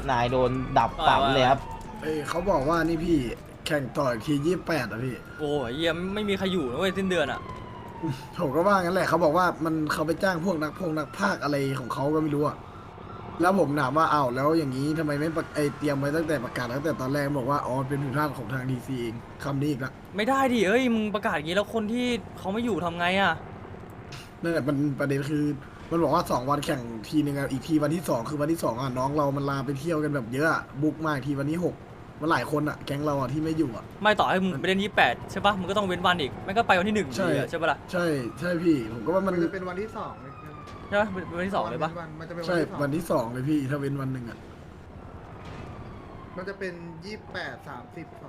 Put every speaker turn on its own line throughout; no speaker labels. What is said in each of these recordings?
นายโดนดับฝันเลยครับ
เขาบอกว่านี่พี่แข่งต่ออีกที28อ่ะพี่
โอ้ยเยี่ยมไม่มีใครอยู่นะเว้ยสิ้นเดือนอ่ะ
ผมก็ว่างั้นแหละเขาบอกว่าเขาไปจ้างพวกนักพากย์อะไรของเขาก็ไม่รู้อะแล้วผมถามว่าอ้าวแล้วอย่างนี้ทำไมไม่เตรียมไว้ตั้งแต่ประกาศตั้งแต่ตอนแรกบอกว่าอ๋อเป็นผิดพลาดของทางดีซีเองคำนี้อีกละ
ไม่ได้ดิเอ้ยมึงประกาศอย่างนี้แล้วคนที่เขาไม่อยู่ทำไงอ่ะ
นั่นแหละมันประเด็นคือมันบอกว่า2 วันแข่งทีนึงอะอีกทีวันที่2คือวันที่2อะน้องเรามันลาไปเที่ยวกันแบบเยอะอะบุ๊กมากทีวันที่6มันหลายคนอะแก๊งเราอะที่ไม่อยู่อะ
ไม่ต่อให้มึงไปเล่น28ใช่ปะมึงก็ต้องเว้นวันอีกไม่ก็ไปวันที่1
ใช่
ใช่ปะล่ะ
ใช่ใช่พี่ผมก็ว่ามัน
จะเป็นวันที่2เลย
ใช่ปะเป็นวันที่2เลยปะ
มันจะเป็น
ใช่
วั
วัน
นที่
ที่2เลยพี่ถ้าเว้นวันหนึ่งอะ
2มันจะเป็น28 30 2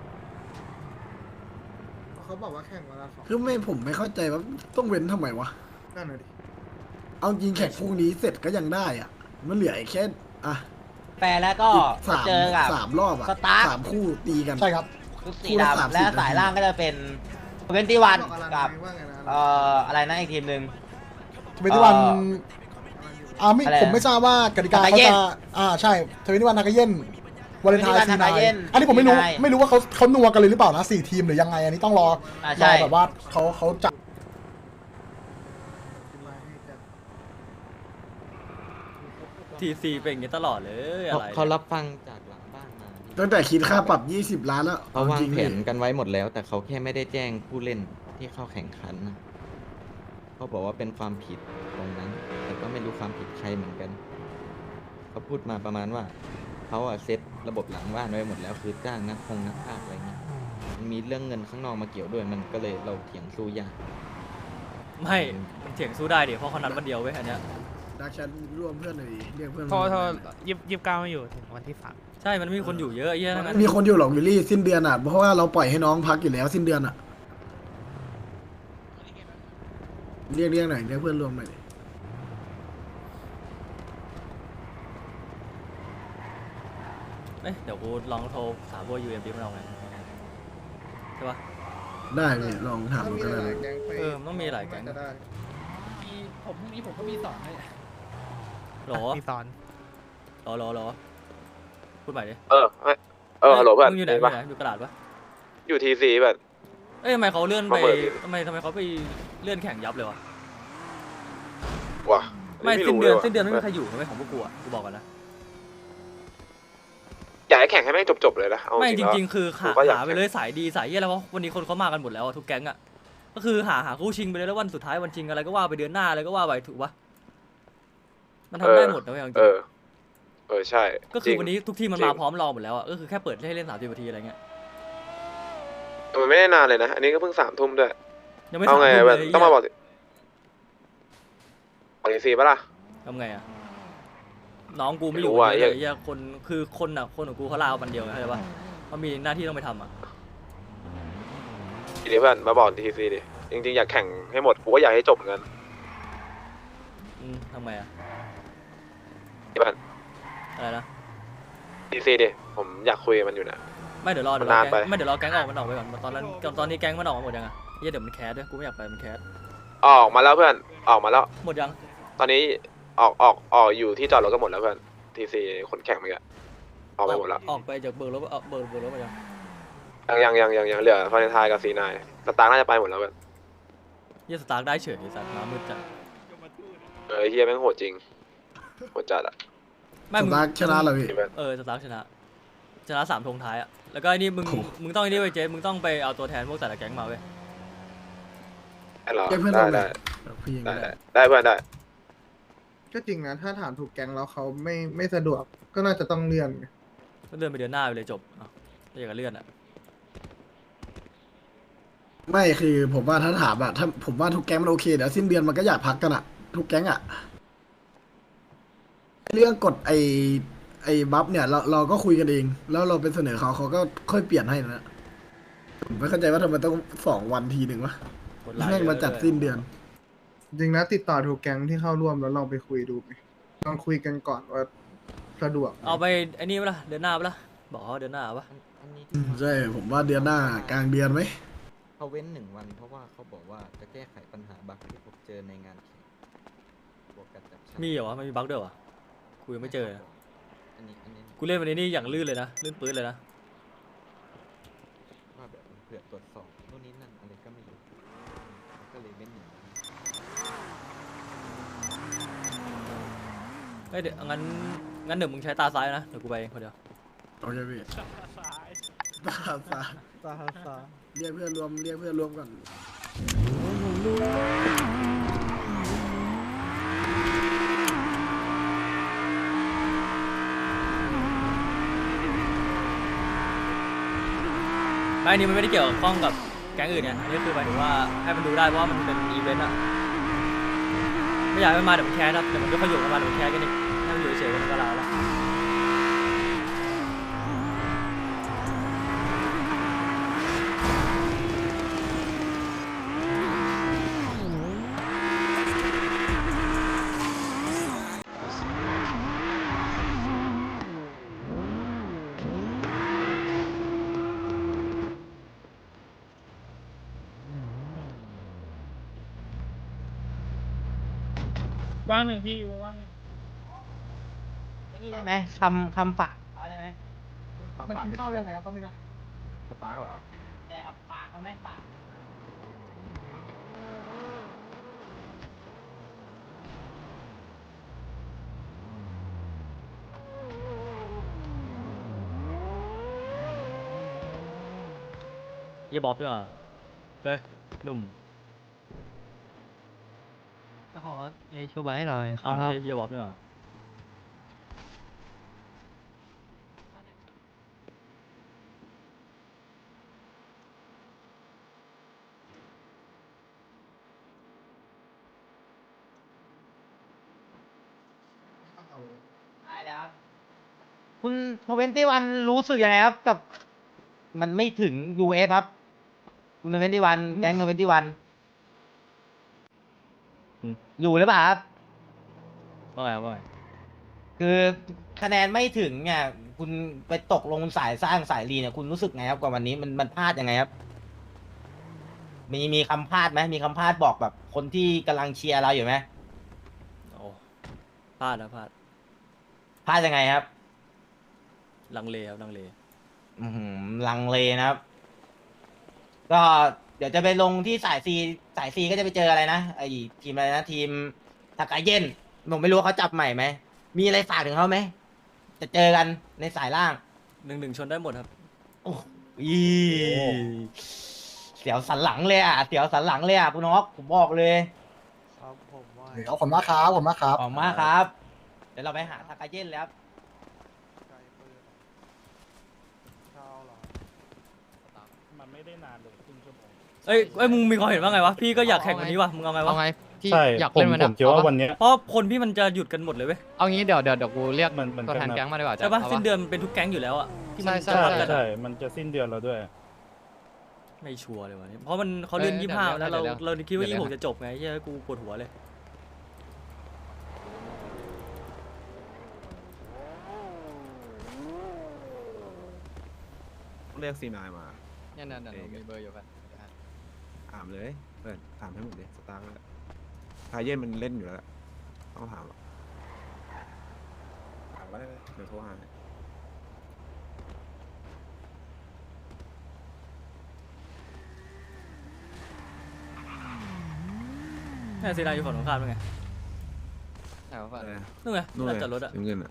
เขาบอกว่าแข่งวันละ2
คือผมไม่เข้าใจว่าต้องเว้นทำไมวะ
นั่นเลยดิ
เอาจริงแข่งพรุ่งนี้เสร็จก็ยังได้อะมันเหลืออีกแค่อะ
แปลแล้วก็
สาม
เจอกับ
สามรอบอะ
สตาร์
3 คู่ตีกัน
ใช่ครับ
ชุดสี
คู่ละ
ดำ
30
และสายล่างก็จะเป็นเวนตี้วัน
บอกอะไร
กับ
ว่าไงนะ
อะไรนะอีกทีมหนึ่ง
21 วันไม่
อะไรนะ
ผมไม่ทราบว่ากติกา
ทา
เขา
กาเย็น
จะใช่21 วันทากาเย็นวาเลนไทน์
21
ซีนาย
ทากาเย็น
อันนี้ผมไม่รู้
ซีนาย
ไม่รู้ว่าเขานัวกันเลยหรือเปล่านะ4 ทีมหรือยังไง อันนี้ต้องรอ
ใช่
แบบว่าเขาจับ
ทีซีเป็นอย่างนี้ตลอดเลยอะไร
เขารับฟังจากหลังบ้านมา
ตั้งแต่คิดค่าปรับ20 ล้านแล้ว
เขาวาง
จริง
แผ
พี่
นกันไว้หมดแล้ว แต่เขาแค่ไม่ได้แจ้งผู้เล่นที่เข้าแข่งขันนะเขาบอกว่าเป็นความผิดตรงนั้น แต่ก็ไม่รู้ความผิดใครเหมือนกัน เขาพูดมาประมาณว่าเขาอะเซตระบบหลังบ้านไว้หมดแล้ว คือจ้างนักพากย์อะไรเงี้ยมันมีเรื่องเงินข้างนอกมาเกี่ยวด้วยมันก็เลยเราเถียงสู้ยาก
ไม่มันเถียงสู้ได้ดิเพราะเขานัดวันเดียวเว้ยอันเนี้ย
ดักชันร่วมเพื่อนหน่อยดิเรียกเพื่อน
โทร
มา
29ไม่อยู่ถึงวันที่3
ใช่มันไม่มีคนอยู่เยอะไอ้เหี้ยทั้งนั้น
มีคนอยู่หรอกวิลลี่สิ้นเดือนอะเพราะว่าเราปล่อยให้น้องพักอยู่แล้วสิ้นเดือนอะเรียกหน่อยเรียกเพื่อนรวมหน่อยดิ
เอ้ยเดี๋ยวกูลองโทรถามพวก UMD มันเอาไงใช่ปะ
ได้พี่ลองถาม
ถ้า
ดู
มี
ก็
ห
ได้
ลายๆแก๊งไป
มันต้องมีหลายแก๊ง
จะได้
ผมพรุ่งนี้ผมก็มีสอนให้
หรอ
มีสอน
หรอพูดใหม่ดิ
ฮัลโหลเพื่อน
มึงอยู่ไหน
เห็นปะ
อยู่กระดาษปะ
อยู่ทีซีแบบ
เอ้ยทำไมเขาเลื่อนไป
มาเปิดดิ
ทำไมเขาไปเลื่อนแข่งยับเลยวะ
ว่ะ
ไม่สิ้น
รู้
เดือน
ลยว่ะ
สิ้นเดือนไม่มีใครอยู่ไม่ของพวกกูอ่ะกูบอกกันนะ
อยากให้แข่งให้แม่งจบๆเลยนะเอา
ไม่จ
แล้ว
ริงๆคือ
ผมก็อยาก
หาไปเลยสายดีสายเยี่ยแล้วเพราะวันนี้คนเขามากันหมดแล้วอะทุกแก๊งอ่ะก็คือหาคู่ชิงไปเลยแล้ววันสุดท้ายวันชิงอะไรก็ว่าไปเดือนหน้าอะไรก็ว่าไปถูกปะมันทำได้หมดนะเว้ยเอาจริง
ใช่
ก็คือวันนี้ทุกทีมมัน
จริ
มาง พร้อมรอหมดแล้วอ่ะก็คือแค่เปิดให้เล่น30 นาทีอะไรเงี้ย
แต่มันไม่ได้นานเลยนะ อันนี้ก็เพิ่ง3 ทุ่มด้วย
ยังไม่
เอา
3
ไง
ทุ่ม
แบ
เล
บ
ย
ต้องมาบอกทีซีปะล่ะ
ทำไงอ่ะน้องกูไม่อยู่
ไม่รู้ว่ะ
เยอะเลยเหี้ยคนคือคนของกูเขาลาวันเดียวไงเข้าใจปะเขามีหน้าที่ต้องไปทำอ่ะ
ทีนี้เพื่อนมาบอกทีซีดิจริงๆอยากแข่งให้หมดกูก็อยากให้จบเหมือนกัน
ทำไงอ่ะ
เพื่อน
อะไรนะ
ทีซีดิผมอยากคุยกับมันอยู่นะ
ไม่เดี๋ยวรอ
มันนาน
แก๊
ไป
งไม่เดี๋ยวรอแก๊งออกมันออกไปก่อนตอนนี้แก๊งมันออกมาหมดยังอ่ะเหี้ยเดี๋ยวมันแคสด้วยกูไม่อยากไปมันแคส
ออกมาแล้วเพื่อนออกมาแล้ว
หมดยัง
ตอนนี้ออกอยู่ที่จอดรถก็หมดแล้วเพื่อนทีซีคนแข่งเมื่อกี้ออกไปหมดแล้ว
ออกไปจากเบิร์รถเบิร์รถมายัง
ยังเหลือฟาเรนไทน์กับซีนายสตาร์น่าจะไปหมดแล้วเพื่อน
เหี้ยสตาร์ทได้เฉยไอ้สัตว์มามืดจัด
เฮียแม่งโหดจริงโหดจัดอ่ะ
ไม่
ส
มึง
ตาร์ทชนะเลยพี่
สตาร์ทชนะ3 ธงท้ายอ่ะแล้วก็ไอ้นี่มึงต้องไอ้นี่ไปเจ๊มึงต้องไปเอาตัวแทนพวกแต่ละแก๊งมาเว้ย
ได้เหรอ
เรียกเพื่อน
ได้
รวมหน่
ได้
อยพี่ยัง
ได้
ไม่ได้
ได้เพื่อนได้
ก็จริงนะ ถ้าถามถูกแก๊งแล้วเขาไม่สะดวก ก็น่าจะต้องเลื่อน
ก็เลื่อนไปเดือนหน้าไปเลยจบถ้าอยากจะเลื่อนอ่ะ
ไม่คือผมว่าถ้าถามอะถ้าผมว่าทุกแก๊งมันโอเคเดี๋ยวสิ้นเดือนมันก็อยากพักกันอะทุกแก๊งอะเรื่องกฎไอ้บัฟเนี่ยเราก็คุยกันเอง แล้วเราไปเสนอเขาก็ค่อยเปลี่ยนให้นะผมไม่เข้าใจว่าทำไมต้อง2 วันทีหนึ่งวะ
กดไลค์
แม่งมาจัดสิ้นเดือน
จริงนะติดต่อถูกแก๊งที่เข้าร่วมแล้วลองไปคุยดูไหมลองคุยกันก่อนว่าสะดวกไหม
เอาไปไอ้นี่ปะล่ะเดือนหน้าปะล่ะบอกเขาเดือนหน้าปะ
อันนี้
ใช่ผมว่าเดือนหน้ากลางเดือนไหม
เขาเว้น1 วันเพราะว่าเขาบอกว่าจะแก้ไขปัญหาบั๊กที่พบเจอในงานแข่งบวกกับจับฉลาก
มีเหรอวะไม่มีบั๊กด้วยวะคุยไม่เจอเลย
อันนี้
กูเล่นวันนี้นี่อย่างลื่นเลยนะลื่นปื๊ดเลยนะ
ว่าแบบเผื่อตรวจสอบนู่นนี่นั่นอะไรก็ไม่รู้ก็เลยเล่นอย่างนั้น
เฮ้ยเดี๋ยวงั้นเดี๋ยวมึงใช้ตาซ้ายนะเดี๋ยวกูไปเองคนเดียว
โอเคพี่ตาเรียกเพื่อนรวมก่อน
ไม่อันนี้มันไม่ได้เกี่ยวข้องกับแก๊งอื่นไงอันนี้คือหมายถึงว่าให้มันดูได้เพราะว่ามันเป็นอีเวนต์อะไม่อยากให้มันมาเดี๋ยวมันแคสครับเดี๋ยวมันก็ขยุกกันมาเดี๋ยวมันแคสกันอีกให้มันอยู่เฉยๆมันก็ลาแล้ว
ว่างหนึ่งพี่ว่าง
นี่ได้ไหมคำฝากเอาได้ไหม
มันกินข้าวยังไงครับตอนนี้นะ
แต่เอาปากเอาไหมปาก
เยี่ยบอบด้วยอ่ะเฮ้ยหนุ่ม
ขอชูใบให้หน่อย
อ้าวเยี่ยบอบด้วยอ่ะ
ได้แล้วครับคุณ21รู้สึกยังไงครับกับ มันไม่ถึง US ครับคุณ21แก๊ง21อยู่หรือเปล่าครับ
ว่าไงว่าไง
คือคะแนนไม่ถึงเนี่ยคุณไปตกลงสายสร้างสายรีเนี่ยคุณรู้สึกไงครับกับวันนี้มันพลาดยังไงครับ มีคำพลาดไหมมีคำพลาดบอกแบบคนที่กำลังเชียร์เราอยู่ไหม
โอ้พลาดนะพลาด
พลาดยังไงครับ
ลังเลครับลังเล
ลังเลนะครับ ก็เดี๋ยวจะไปลงที่สายซีก็จะไปเจออะไรนะไอทีมอะไรนะทีมทากาเย็นผมไม่รู้ว่าเขาจับใหม่ไหมมีอะไรฝากถึงเขาไหมจะเจอกันในสายล่าง
1-1ชนได้หมดครับ
โอ้ยเสียวสันหลังเลยอ่ะเสียวสันหลังเลยอ่ะคุณน็อกผมบอกเลย
เดี๋ยวขอบคุณมากครับขอบคุณมากครับ
ขอบคุณมากครับ เดี๋ยวเราไปหาทากาเย็นแล้ว
มันไม่ได้นานเลยครึ่งชั่วโมง
เอ้ยมึงมีความเห็นว่าไงวะพี่ก็อยากแข่งวันนี้วะมึงเอาไงวะ
เอาไงพี่
ใช่
อยาก
ผม
เล่นวัน
ผ
นี้
มคิดว่าวันเนี้ย
เพราะคนพี่มันจะหยุดกันหมดเลยเว้ย
เอางี้เดี๋ยวกูเรียก
มัน
ตัวแทน
เป็น
แก๊งมาดีกว่า
ใช่ปะ
า
สิ้นเดือนมันเป็นทุกแก๊งอยู่แล้วอะที่มัน
ใช่
จะ
ใช่
รับกัน
ใช่
อะ
มันจะสิ้นเดือนแล้วด้วย
ไม่ชัวร์เลยวันนี้เพราะมันเขาเลื่อน 25แล้วเราคิดว่า26จะจบไงใช่กูปวดหัวเลย
เรียกซีนายมา
เนี่ยมีเบอร์อยู่กัน
ถามเลยเพื่อนถามให้หมดเลยสตาร์ททาเย็นมันเล่นอยู่แล้วต้องถามถามก็ได้เดี๋ยวโทรหา
แม่ซีนายอยู่ฝั่งตรงข้ามเป็นไง
แต่ว่า
นู่นไง
นู่น
ลาน
เลย
จอดรถอะ
เงินอ่ะ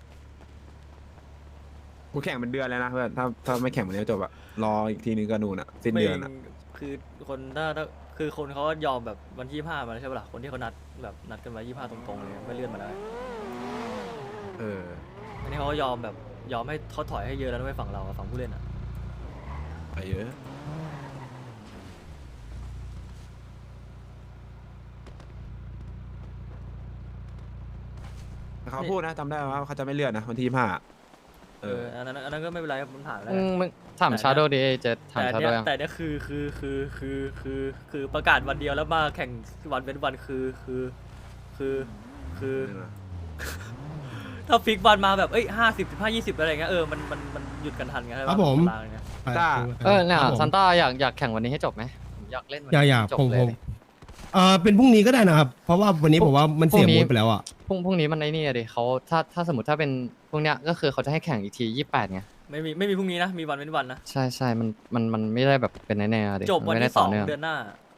กูแข่งเป็นเดือนเลยนะเพื่อนถ้าไม่แข่งวันนี้จบอะรออีกทีนึงก็นู่นอะสิ้นเดือนอะ
คือคนถ้าคือคนเขายอมแบบวันที่25มาแล้วใช่ปะล่ะคนที่เขานัดกันไว้25ตรงๆเลยไม่เลื่อนมาแล้ว อันนี้เขาก็ยอมแบบยอมให้เขาถอยให้เยอะแล้วด้วยฝั่งเราอะฝั่งผู้เล่นอะ
ไปเยอะแต่เขาพูดนะจำได้ว่าเขาจะไม่เลื่อนนะวันที่25
อันนั้นก็ไม่เป็นไรมันผ่านแล้ว
มึงถามชาโดว์ดิเจถามชาโดว์ยัง
แต่เนี่ยคือประกาศวันเดียวแล้วมาแข่งวันเว้นวันคือถ้าฟิกวันมาแบบ50 15 20อะไรเงี้ยมันหยุดกันทันไงครับผม
ถ้า
เนี่ยซันต้าอยากแข่งวันนี้ให้จบไหมอยากเล่นวันนี้
อยาก
จบ
ผม
เลย
เป็นพรุ่งนี้ก็ได้นะครับ เพราะว่าวันนี้ผมว่ามันเสียมูดไปแล้วอ่ะ
พรุ่งนี้มันไอ้นี่อะดิเขาถ้าสมมติถ้าเป็นพวกเนี้ยก็คือเขาจะให้แข่งอีกที28ไง
ไม่มีพรุ่งนี้นะมีวันเว้นวันนะ
ใช่มันไม่ได้แบบเป็นแน่ๆอะดิ
จบวัน
ไม่ได้
ที่
ต่อเนื่อง
2 เดือนหน้า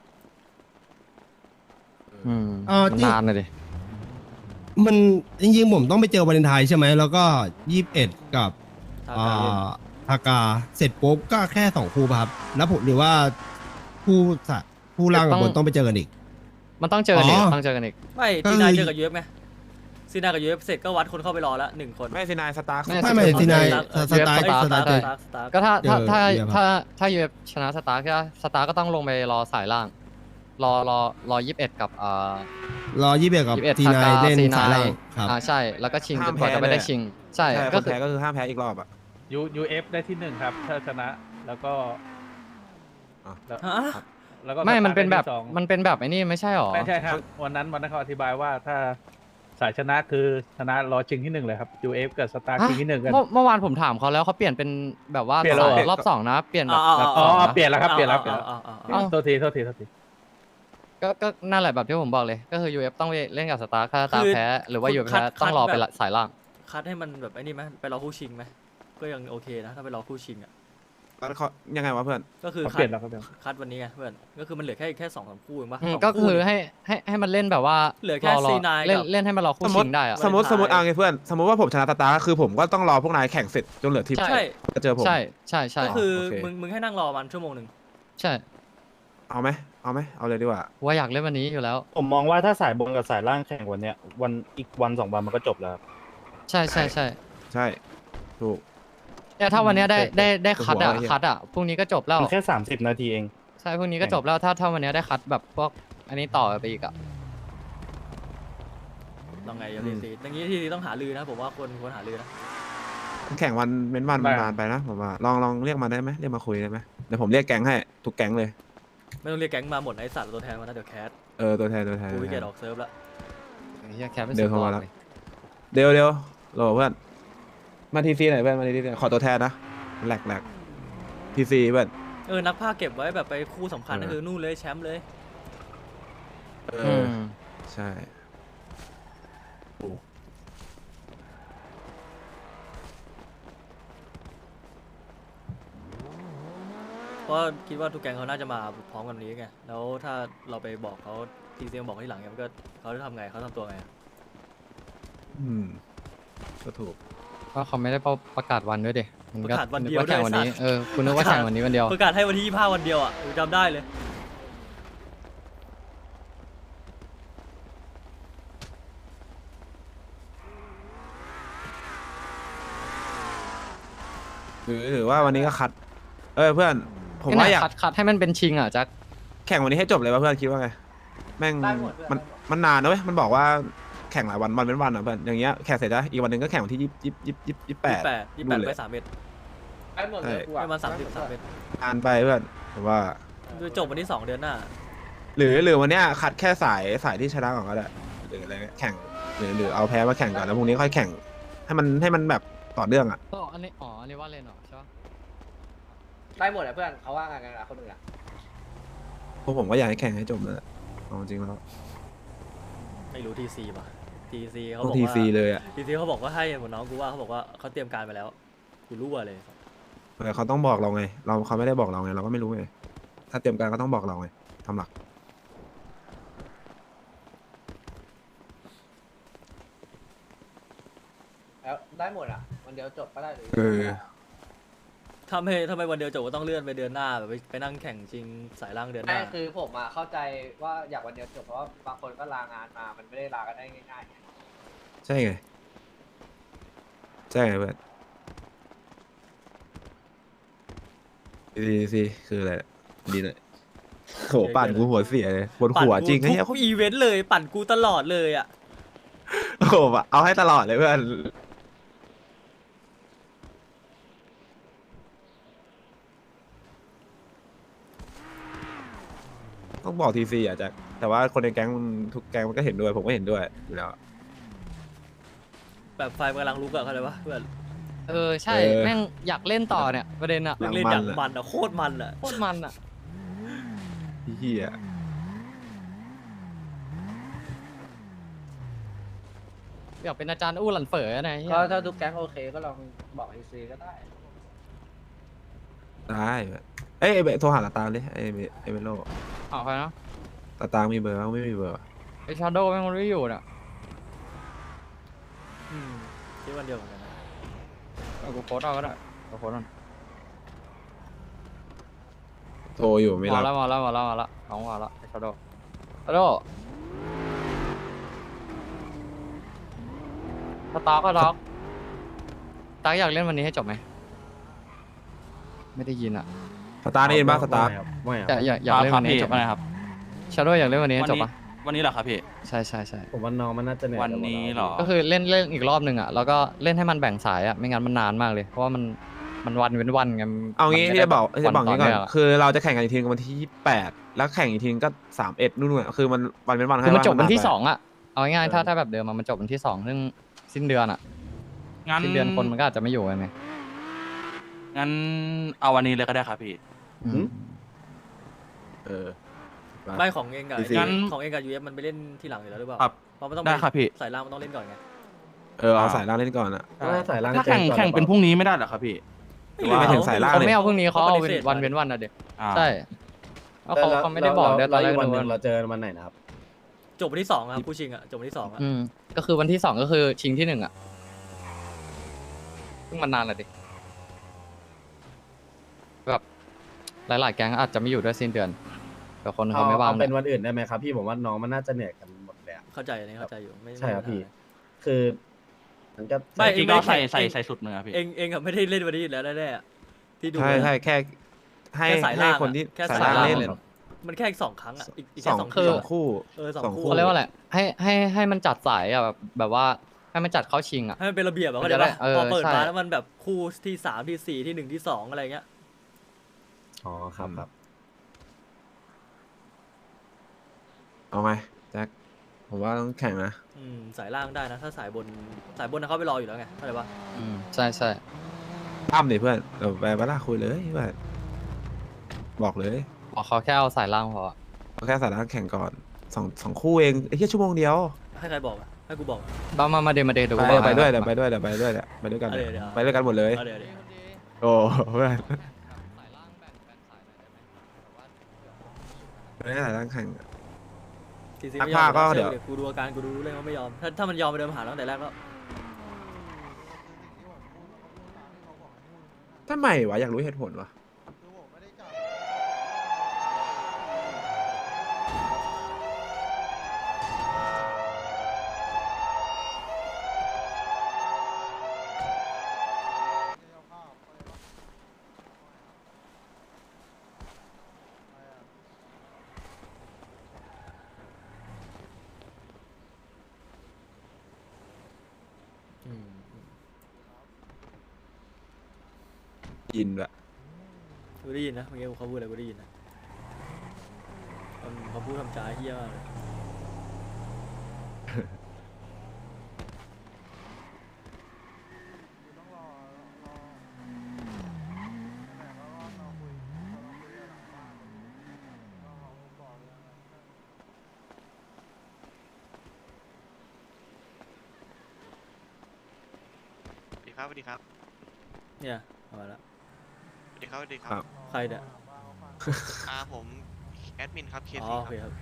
มันนานเลยดิ
มันจริงๆผมต้องไปเจอวาเลนไทน์ใช่ไหมแล้วก็21กับ
ทากาเย็น
ทากาเสร็จปุ๊บก็แค่2คู่ป่ะครับแล้วผมหรือว่าผู้ล่างกับบนต้องไปเจอกันอีก
มันต้องเจอกันอีก
อ๋อ
ต้องเจอกันอีก
ไม่
ก็
ซี
คือ
นายเจอกับยูเอฟไงซีนายกับยูเอฟเสร็จก็วัดคนเข้าไปรอแล้ว1 คน
ไม่สินายสตาร์
ไม่ทีนายสไตล์
ส
สไต
ตาร์
ล์
ท
เจอ
สตาร์
ก็ถ้า
เจอ
ถ้ายูเอฟชนะสตาร์ก็ต้องลงไปรอสายล่าง รอ21กับ
รอ21กับ
21
ทีนายเล่นสายล่างครับ
ใช่แล้วก็ชิงจนกว่าจะไม่ได้ชิง ใช่
ใช่
ก็
คน
คือ
แพ้ก็คือห้ามแพ้อีกรอบอ่ะ
UF ได้ที่ 1 ครับ ถ้าชนะ แล้วก็
ฮะ
แล้วก็
ไม่มันเป็นแบบ
สตาร์ทได้ที่สอง
มันเป็นแบบไอ้นี่ไม่ใช่หรอ
ไม่ใช่ครับ วันนั้นเขาอธิบายว่าถ้าสายชนะคือชนะรอชิงที่ 1เลยครับ UF กับสตาร์ชิงที่ 1กัน
เมื่อวานผมถามเขาแล้วเขาเปลี่ยนเป็นแบบว่า
เปลี่ยนแล้วเหรอ
รอบ 2นะเปลี่ยนแบบ
อ๋อ
สงนะ
เปลี่ยนแล้วครับเปลี่ยนแล้ว
เอ้า
โทษที
ก็นั่นแหละแบบที่ผมบอกเลย ก็คือ UF ต้องไปเล่นกับสตาร์ถ้าสตาร์แพ้หรือว่า UF แพ้ต้องรอไปสายล่าง
คัดให้มันแบบไอ้นี่ไหมไปรอคู่ชิงไหมก็ยังโอเคนะถ้าไปรอคู่ชิงอ่ะ
แล้วเขายังไงวะเพื่อน
ก็คือ
เขา
คั
เปลี่
ด
ยนแล้วครับเปลี่ยน
คัดวันนี้ไงเพื่อนก็คือมันเหลือแค่2-3 คู่เองปะ
ก็
2
คือ
เนี่ย
ให้มันเล่นแบบว่า
เหลือแค่
ร
C9
เล่น
กับ
เล่นให้มันรอคู่
สมม
ชิ
ติ
งได้อะ
สมมติเอาไงเพื่อนสมมติว่าผมชนะสตาร์ก็คือผมก็ต้องรอพวกนายแข่งเสร็จจนเหลือทีม
ใช่
จะเจอผม
ใช่
ก็คือ
โอเค
มึงให้นั่งรอมันชั่วโมงหนึ่ง
ใช่
เอาไหมเอาเลยดีกว่า
ว่าอยากเล่นวันนี้อยู่แล้ว
ผมมองว่าถ้าสายบนกับสายล่างแข่งวันเนี้ยอีกวัน 2 วันมันก็จบแล้ว
ใช่
ใช่ถูก
แต่ถ้าวันเนี้ยได้คัด
หัวไอ้เหี้ย
คัดพรุ่งนี้ก็จบแล้ว
มันแค่30 นาทีเอง
ใช่พรุ่งนี้ก็จบแล้วถ้าวันเนี้ยได้คัดแบบพวกอันนี้ต่อไปอีกอะ
ลองไงทีซีอย่างนี้ทีซีต้องหาลือนะผมว่าควรหาลือนะ
แข่งวันเว้นวัน
ได้
นานไปนะผมว่าลองเรียกมาได้ไหมเรียกมาคุยได้ไหมเดี๋ยวผมเรียกแก๊งให้ทุกแก๊งเลย
ไม่ต้องเรียกแก๊งมาหมดไอ้สัตว์ตัวแทนมานะเดี๋ยวแคส
ตัวแทน
กูวิเกตออกเซิร์ฟแล้ว
เฮียแคปเป็น
เดี๋ยว
สุ
เข้ามา
ด
แล้ว
เลย
เดี๋ยวรอเพื่อนมาทีซีหน่อยเพื่อนมาทีซีขอตัวแทนนะแหลกทีซีเพื่อน
นักภาคเก็บไว้แบบไปคู่สำคัญก็คือนู่นเลยแชมป์เลย
ใช่
เพราะคิดว่าทุกแก๊งเขาน่าจะมาพร้อมกันวันนี้ไงแล้วถ้าเราไปบอกเขาทีซีบอกที่หลังเนี่ยมันก็เขาจะทำไงเขาทำตัวไง
ก็ถูก
ก็เขาไม่ได้ประกาศวันด้วยดิมัน
ประ
ก็
กาศวัน
นึ
เดี
ก
ยว
ว่าแข่งวันนี้คุณนึกว่าแข่งวันนี้วันเดียว
ประกาศให้วันที่25วันเดียวอ่ะกูจำได้เลย
หรือว่าวันนี้ก็คัดเพื่อนผมว่าอยาก
คัดให้มันเป็นชิงอ่ะแจ็ค
แข่งวันนี้ให้จบเลยป่ะเพื่อนคิดว่าไงแม่งมันนานนะเว้ยมันบอกว่าแข่งหลายวันเป็นวันอ่ะเพื่อนอย่างเงี้ยแข่งเสร็จนะอีกวันหนึ่งก็แข่งวันที่28
28ไป3 เมตร
ได้หมดเลยกูอะ
ประมาณ33 เมตร
นานไปเพื่อนผมว่า
คือจบวันที่2 เดือนหน้า
หรือวันเนี้ยคัดแค่สายที่ชนะก่อนก็ได้หรืออะไรเงี้ยแข่งหรือเอาแพ้มาแข่งก่อนแล้วพรุ่งนี้ค่อยแข่งให้มันแบบต่อเนื่องอ่ะ
อันนี้ว่าเล่นหรอใช่ปะ
ได้หมดอะเพื่อนเขาว่ากันอะคนอื่นอะ
พวกผมก็อยากให้แข่งให้จบเลยเอาจริงแล้ว
ไม่รู้ทีซีป่ะทีซีเขา
พว
บอก
กที
ว่า
ซีเลยอ่ะ
ทีซีเขาบอกว่าให้เหมือนน้องกูว่าเขาบอกว่าเขาเตรียมการไปแล้วกูรู้เลย
แต่เขาต้องบอกเราไงเขาไม่ได้บอกเราไงเราก็ไม่รู้ไงถ้าเตรียมการก็ต้องบอกเราไงทำหลัก
แล้วได้หมดอะวันเดียวจบก็ได้หรือ
ทำไมวันเดียวจบก็ต้องเลื่อนไปเดือนหน้าแบบไปนั่งแข่งชิงสายล่างเดือนห
ไม่
น้า
คือผมอะเข้าใจว่าอยากวันเดียวจบเพราะว่าบางคนก็ลางานมา มันไม่ได้ลากันได้ง่ายๆไง
ใช่ไงเพื่อนทีซีคืออะไรดีเลยโหปั่นกูหัวเสียเลยบนหัวจริงไอ้
ทุ
เหี้ย
กอีเวนต์เลยปั่นกูตลอดเลยอ่ะ
โอ้โหเอาให้ตลอดเลยเพื่อนต้องบอกทีซีอ่ะแจ็คแต่ว่าคนในแก๊งทุกแก๊งมันก็เห็นด้วยผมก็เห็นด้วยอยู่แล้ว
แบบไฟมันกำลังลุกอะเข้าใจปะเพื่อน
ใช่แม่งอยากเล่นต่อเนี่ยประเด็นอะ
เล่นอย่างมันอะโคตรมันอะ
โคตรมันอะ
เฮีย
อยากเป็นอาจารย์อู้หลันเฝอนะเหี้ย
ก็ถ้าทุกแก๊งโอเคก็ลองบอกไอซีก็ได้
ได้เอ้ยโทรหาตาตามดิไอ้เมโล
เอาใครนะ
ตาตามมีเบอร์บ้างไม่มีเบอร์วะ
ไอชาโดว์แม่งมันไม่อยู่น่ะ
ที่วันเดียวเหมือนกันนะ
เอากูโพสต์เอาก็ได้กูโพสต์มัน
โทรอยู่ไม่
มา
รับ
แล้วน้องมาแล้วไอชาโดว์ชาโดว์สตาร์ก็ด็อกสตาร์อยากเล่นวันนี้ให้จบไหมไม่ได้ยินอ่ะ
สตาร์ได้ยินป่ะสตาร์
อยากเล่นวันนี้ให้จบไหมครับชาโดว์อยากเล่นวันนี้ให้จบปะ
วันนี้เหรอครับพี่
ใช่
ผมว่าน้องมันน่าจะเหนื่อย
วันนี้เหรอ
ก็คือเล่นอีกรอบหนึ่งอ่ะแล้วก็เล่นให้มันแบ่งสายอ่ะไม่งั้นมันนานมากเลยเพราะว่ามันวันเว้นวันไง
เอางี้
มัน
ที่
ไม่
จะบอก
ได้
จะบอกงี้ก่อน
วัต่เงะ
คือเราจะแข่งกันอีกทีวันที่28แล้วแข่งอีกทีก็31นู่นๆคือมันวันเป็นวัน
คือมันจบวันที่
ให้
สองอ่ะเอาง่ายๆถ้าแบบเดิมมันจบวันที่สองซึ่งสิ้นเดือนอ่ะ
งั้น
สิ้นเดือนคนมันก็อาจจะไม่อยู่ไง
งั้นเอาวันนี้เลยก็ได้ครับพี่
เออ
ไม่ของเองกับ
งั้น
ของเองกับยูเอฟมันไปเล่นที่หลังอยู่แล้วหรือเปล่า
ครับ
เพราะมันต้อง
ได้ครับพี่
สายล่างมันต้องเล่นก่อนไง
เอาสายล่างเล่นก่อนอะ
ถ้าสายล่าง
ถ้าแข่งเป็นพรุ่งนี้ไม่ได้เหรอครับพี่
ไม่ถึงสายล่าง
เขา
เลย
ไม่เอาพรุ่งนี้เขาเอาวันเว้นวันอ่ะเด็ก
อ่า
ใช่แล้วเขาไม่ได้บอกด้วยตอนแรก
วันหนึ่ง
นึก
เรา
ว่า
เจอวันไหนนะครับ
จบวันที่สองครับผู้ชิงอ่ะจบวันที่สองอ่ะ
ก็คือวันที่สองก็คือชิงที่หนึ่งอ่ะซึ่งมันนานเลยดิแบบหลายๆแก๊งอาจจะไม่อยู่ด้วยสิ้นเดือนแต่คนเขาไม่ว่าง
เป็นวันอื่นได้ไหมครับพี่ผมว่าน้องมันน่าจะเหนื่อยกันหมดเลยอะ
เข้าใจอันนี้เข้าใจอยู่ไม่
ใช่ครับพี่ คือมันก็
ไม่
จริงๆก็ใส่สุดมือครับพี่
เองกับไม่ได้เล่นวันนี้อยู่แล้วแน่ๆอะที่ดู
ใช่แค่ให้
แค่สาย
ให้
ล่าง
คนที่
แค่
สาย
สาย
ล่าง
ล่าง
เล่น
มันแค่อีกสองครั้งอ่ะอีก
ส
แค่
อง
สอง
สองคู่
สอง
สองคู่
คู่
เขาเรียกว่าอะไรให้มันจัดสายอ่ะแบบว่าให้มันจัดเข้าชิงอ่ะ
ให้มันเป็นระเบียบอะ
มั
เข้าน ใจ
จะได้
ปะ
เออ
พอเปิด
ใช่
มาแล้วมันแบบคู่ที่สามที่สี่ที่หนึ่งที่สองอะไรเงี้ย
อ๋อครับครับ
เอาไหมแจ็คผมว่าต้องแข่งนะ
สายล่างได้นะ ถ้าสายบนนะเขาไปรออยู่แล้วไงเข้าใจปะ
ใช่
ตั้มดิเพื่อนเดี๋ยวไปบ้านคุยเลยเพื่อนบอกเลย
บอกเขาแค่เอาสายล่างพอ
เอาแค่สายล่างแข่งก่อนสองคู่เองไอ้แค่ชั่วโมงเดียว
ให้ใครบอกอะให้กูบอกอะ
มาเดเดี๋ยวกู
ไปด้วยเดี๋ยวไปด้วยไปด้วยกัน
เอาเดี๋ยว
ไปด้วยกันหมดเลย
เอาเดี๋ยว
โอ้เพื่อน
สายล่างแบ่งสายหน่อยได้ไหมแบบว่า
ไม่ได้สายล่างแข่ง
ทีซี
นัก
ไม่ยอ
พาม กก็เดี๋ยว
กูดูอาการกูดูเรื่องว่าไม่ยอมถ้ามันยอมไปเดินมาหาตั้งแต่แรกก็
ทำไมวะอยากรู้เหตุผลวะ ยินแบบ
กูได้ยินนะเมื่อกี้เขาพูดอะไรกูได้ยินนะเขาพูดทำจ้าเฮี้ยมากเลย
สวัสดีครับ
เนี่ยเอามาละ
สวัสดีครับ สวัสดีครั
ครับ บ
ใครเนี่ย
ผมแอดมินครับเค
อ๋อ
ซี
โอเคครับ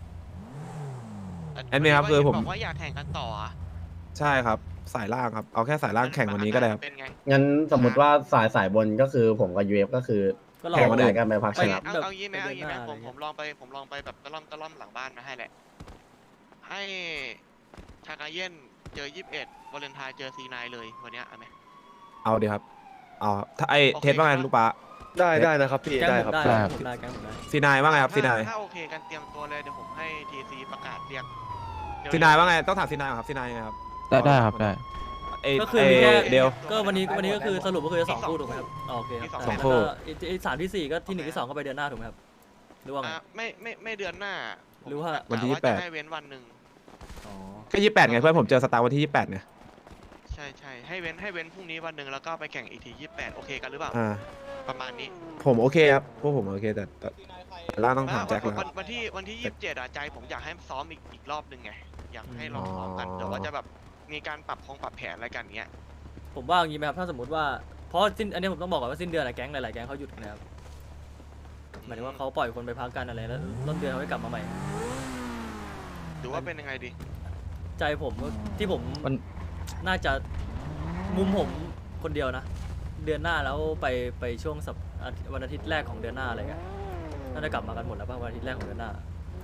แอดมินครับคือผม
บอกว่าอยากแข่งกันต่ออะ
ใช่ครับสายล่างครับเอาแค่สายล่างแข่งวันนี้ก็ได้ครับ
เป็นไง
งั้นสมมติว่าสายบนก็คือผมกับ UF ก็คือ
ก็รอ
แข่งวันไหนกันไปพักช
เอา
นะ
เอางี้ไหม
ไป
เอา
เดือน
งี้ไหม
หน้า
ผม
อะไรเงี้ย
ลองไปแบบตะล่อมหลังบ้านมาให้แหละ ให้ชากาเย็นเจอ21วาเลนไทน์เจอซีนเลยวันเนี้ยเอาไหม
เอาดีครับเอาถ้าไอ
โอเค
เทสว่าไง
ครับ
ลูกป้า
ได้นะครับพี่
แก๊ง
ได้
ผม
ครับ
ได้ผมได้แก๊งผมได้
ซีนายว่าไงครับซีนาย
ถ้าโอเคกันเตรียมตัวเลยเดี๋ยวผมให้ทีซีประกาศเรียกเดี๋
ซีนายว่าไงต้องถามซีนายก่อนครับซีนายยังไงครับ
ได้ครับได้
เอ
ก็คือมีแค่
เดียว
ก็วันนี้ก็คือสรุปก็คือจะสองคู่ถูกไหมครับอ๋อโอเคครับ
สองคู่
แล้วก็ไอ้สามที่สี่ก็ที่หนึ่งที่สองก็ไปเดือนหน้าถูกไหมครับหรือว่าไง
ไม่เดือนหน้า
หรือว่า
วันที่
กะ
28
จะให้เว้นวันหนึ่ง
อ๋อ
ก็28ไงเพื่อนผมเจอสตาร์วันที่28ไง
ใช่ให้เว้นพรุ่งนี้วันหนึ่งแล้วก็ไปแข่งอีกที28โอเคกันหรือเปล่า
อ่า
ประมาณนี้
ผมโอเคครับพวกผมโอเคแต่ล่างต้องถามแจ็คแล้ว
วันที่27ใจผมอยากให้ซ้อมอีกรอบหนึ่งไงอยากให้ลองซ้อมกันเดี๋ยวว่าจะแบบมีการปรับแผนอะไรกันเงี้ย
ผมว่าอย่างนี้ไหมครับถ้าสมมติว่าเพราะอันนี้ผมต้องบอกก่อนว่าสิ้นเดือนอะแก๊งหลายๆแก๊งเขาหยุดกันนะครับหมายถึงว่าเขาปล่อยคนไปพักกันอะไรแล้วต้นเดือนเขาให้กลับมาใหม่
หรือว่าเป็นยังไงดี
ใจผมที่ผม
มัน
น่าจะมุมผมคนเดียวนะ เดือนหน้าแล้วไปช่วงวันอาทิตย์แรกของเดือนหน้าอะไรเงี้ยน่าจะกลับมากันหมดแล้วป่ะวันอาทิตย์แรกของเดือนหน้า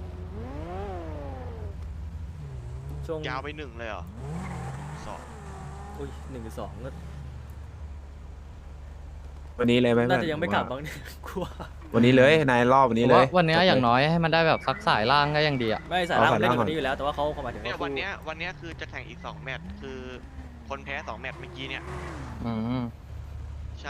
ช่วง
ยาวไป1เลยเหรอ2
อุ้ย1 2ก็
วันนี้เลยไหม
น่า
เพื่อน
จะยังไม่กลับบ้างเนี่ยกลัว
วันนี้เลยนายรอบวันนี้เลย
วันนี้อย่างน้อยให้มันได้แบบสักสายล่างก็ยังดีอ่ะ
ไม่สายล่าง
เอา
มันเล่น
สายล่าง
กว่านี้อยู่แล้วแต่ว่าเขาหมายถึง
เนี่ย
ว่า
วันเนี้ยคือจะแข่งอีก2 แมตช์คือคนแพ้2 แมตช์เมื่อกี้เนี่ย
อืม
ใช่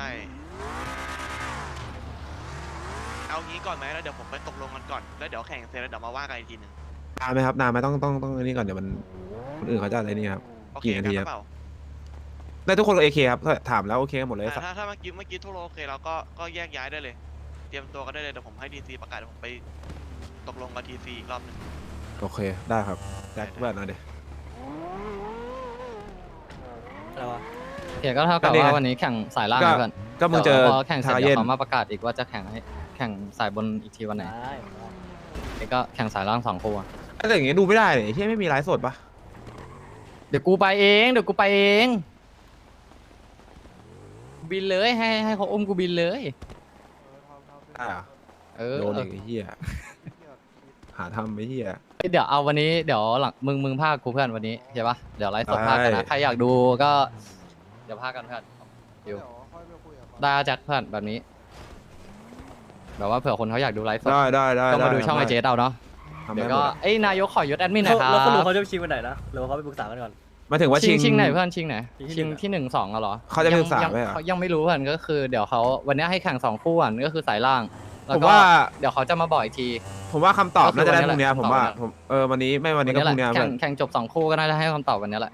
เอางี้ก่อนไหมแล้วเดี๋ยวผมไปตกลงกันก่อนแล้วเดี๋ยวแข่งเสร็จแล้วเดี๋ยวมาว่ากันอีกทีหนึง
นานไหมครับนานไหมต้องอันนี้ก่อนเดี๋ยวมันคนอื่นเขาจะอะไรนี่ครับ
โอเค
กี่นาที
กัน
ครับ
หรือเปล่า
ได้ทุกคนโอเคครับถามแล้วโอเคกันหมดเลย
ถ้าเมื่อกี้ทุกโลโอเคเราก็แยกย้ายได้เลย เตรียมตัวกันได้เลยเดี๋ยวผมให้ทีซีประกาศเดี๋ยวผมไปตกลงกับทีซีอีกรอบหนึง
โอเคได้ครับแจ็คเพื่อนเอาดิ
อะไรวะ
โอเคก็เท่ากับว่าวันนี้แข่งสายล่างนะเพื่อน
ก็มึงเจอ
พอแข่งเสร็จ
ทา
เดี๋
เย็
ยวน เขามาประกาศอีกว่าจะแข่งสายบนอีกทีวันไหน
ได้
นี่ก็แข่งสายล่าง2 คู่อะ
อะไรอย่างเงี้ยดูไม่ได้เลยที่ไม่มีไลฟ์สดปะ
เดี๋ยวกูไปเองบินเลยให้เขาอุ้มกูบินเลย
ได้เหรอ
เออ
โดนอีกไอ้เหี้ยหาทำไอ้เหี้ย
เดี๋ยวเอาวันนี้เดี๋ยวหลังมึงพากกูเพื่อนวันนี้ใช่ปะเดี๋ยวไลฟ์สดพากกันนะใครอยากดูก็เดี๋ยวพากกันเพื่อนอยู่ได้แจ็คเพื่อนแบบนี้แบบว่าเผื่อคนเขาอยากดูไลฟ์สด
ได้
ก็มาดูช่องไอเจเอาเนาะ
ทำ
เดี๋
ได้
ยว
หม
ก็
ด
เอ้ยนายกขอยศแอดมินหน่อยครั
แล้วสรุป
บ
เขาจะชิงวันไหนนะหรือว่าเขาไปปรึกษากันก่อน
มาถึงว่าชิง
ไหนเพื่อนชิงไหน
ชิงที่
ชิง
หนึ่ง
ที่1 2เหรอ
เขาจะไม่ปรึกษา
ยัง
ไหมอะ
เขายังไม่รู้เพื่อนก็คือเดี๋ยวเขาวันนี้ให้แข่ง2 คู่ก่อนก็คือสายล่างแล้ว
ผม
ก็
ว่า
เดี๋ยวเขาจะมาบอกอีกที
ผมว่าคำตอบ
ก็คือ
น่าจะได้
วันนี้
พรุ่งเนี้ย
แหละ
ผมว่า
ตอบวันนี้
ผมวันนี้ไม่วันนี้ก็พรุ่งเนี้ย
แข่งจบ2 คู่ก็น่าจะให้คำตอบวันนี้แหละ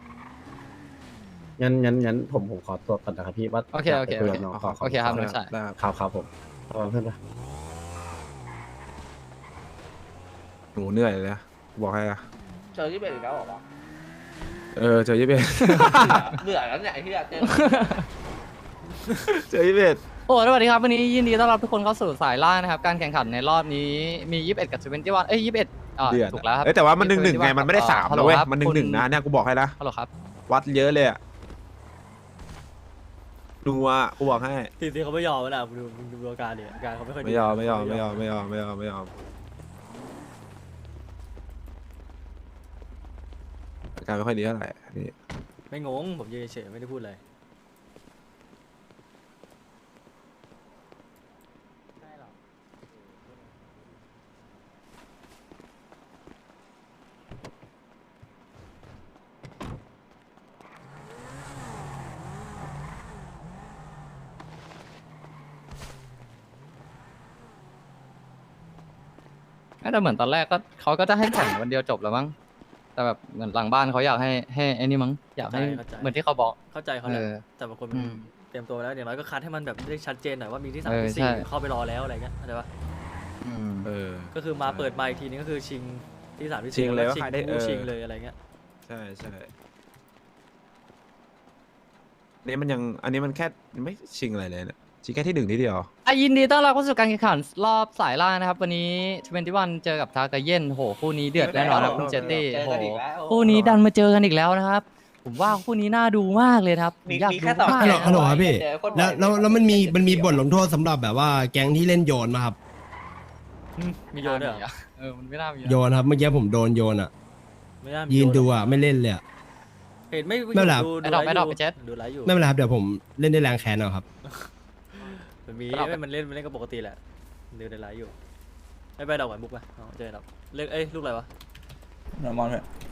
งั้นผมขอตัวก่อนนะครับพี่ว่า
โอเค
ยาก
โอเค
ไปคุยกับน้องขอ
โอเคครับน้องชาย
ได้ครับ
ครับผมเพื่อนปะ
หนูเหนื่อยเลยนะบอกให้อะ
เจอที่เป็นอีกแล้วเหรอวะ
เจอยี่เบ็ด
เบื่อแล้วเนี่ยไอ้ที่อยากเจอ
เจอยี่เบ็ด
โอ้สวัสดีครับวันนี้ยินดีต้อนรับทุกคนเข้าสู่สายล่างนะครับการแข่งขันในรอบนี้มี21กับ21เอ้ย21
เดือด
ถูกแล้วครับ
แต่ว่ามัน1-1ไงมันไม่ได้3
ฮัลโห
นะ
ล
เว้ย
ครับ
มัน
คุณ
1-1นะเนี่ยกูบอกให้นะ
ฮัลโหลครับ
วัดเยอะเลยอะดูอ่ะกูบอกให้
ทีเขาไม่ยอมนะดูอาการเนี่ยอาการเขาไม่ค่อยดี
ไม่ยอมอาการไม่ค่อยดีเท่าไหร่นี่
ไม่งงผมยืนเฉยๆไม่ได้พูดอะไร
แต่เหมือนตอนแรกก็เขาก็จะให้แข่งวันเดียวจบแล้วมั้งแต่แบบเหมือนหลังบ้านเขาอยากให้ไอ้นี่มั้งอยากให้
เข้าใจ
เหมือนที่เขาบอก
เข้าใจเขาแหละ
เออ
แต่บางคนมัน
อืม
เตรียมตัวแล้วอย่างน้อยก็คัดให้มันแบบได้ชัดเจนหน่อยว่ามีที่
เออ
3 ที่
ใช่
4เข้าไปรอแล้วอะไรเงี้ยเข้าใจปะก็คือมาเปิดมาอีกทีนึงก็คือชิงที่3ที่
ชิง
4
เลย
แล้ว
ว่า
ชิง
ใครได้
คู่ชิงเลยอะไรเงี้ย
ใช่นี่มันยังอันนี้มันแค่ไม่ชิงอะไรเลยเนี่ยชิงแค่ที่1ที่เดียว
ยินดีต้อนรับเข้าสู่การแข่งขันรอบสายล่างนะครับวันนี้21เจอกับทากาเย็นโหคู่นี้เดือดแน่นอนครับคุณเจตตี้
เจอ
โห
กันอีกแล้ว
คู่นี้ดันมาเจอกันอีกแล้วนะครับผมว่าคู่นี้น่าดูมากเลยครับผมอยาก
มี
ดู
แค่สอง
มาก
ฮัลโหลครับพี่
เจอคนบ่อย
แล้วมันมีบทลงโทษสำหรับแบบว่าแก๊งที่เล่นโยนมาครับ
มีโยนด้วยเหรอ
มันไม่น่ามี
โยนครับเมื่อกี้ผมโดนโยนอ่ะ
ไม่น่ามี
ยืน
โหร
ดู
อก
อ่ะไม่เล่นเลยอ่ะ
เห็นไม่
ไม่เป็นไร
ดู
ไอ้ดอก
ไล
ไอ้
ฟ์
ดอก
อยู่
ไปเจ็ด
ดูไลฟ์อยู่
ไม่เป็นไรครับเดี๋ยวผมเล่นได้แรงแค้นเอาครับ
มันมี
ไอ้ดอก
ไม่มันเล่นก็ปกติแหละดูในไลฟ์อยู่ไม่ไปดอกไหวมุกไปเอาเจอดอกเลือกลูกอะไรวะ
นอร์มอนเถอะ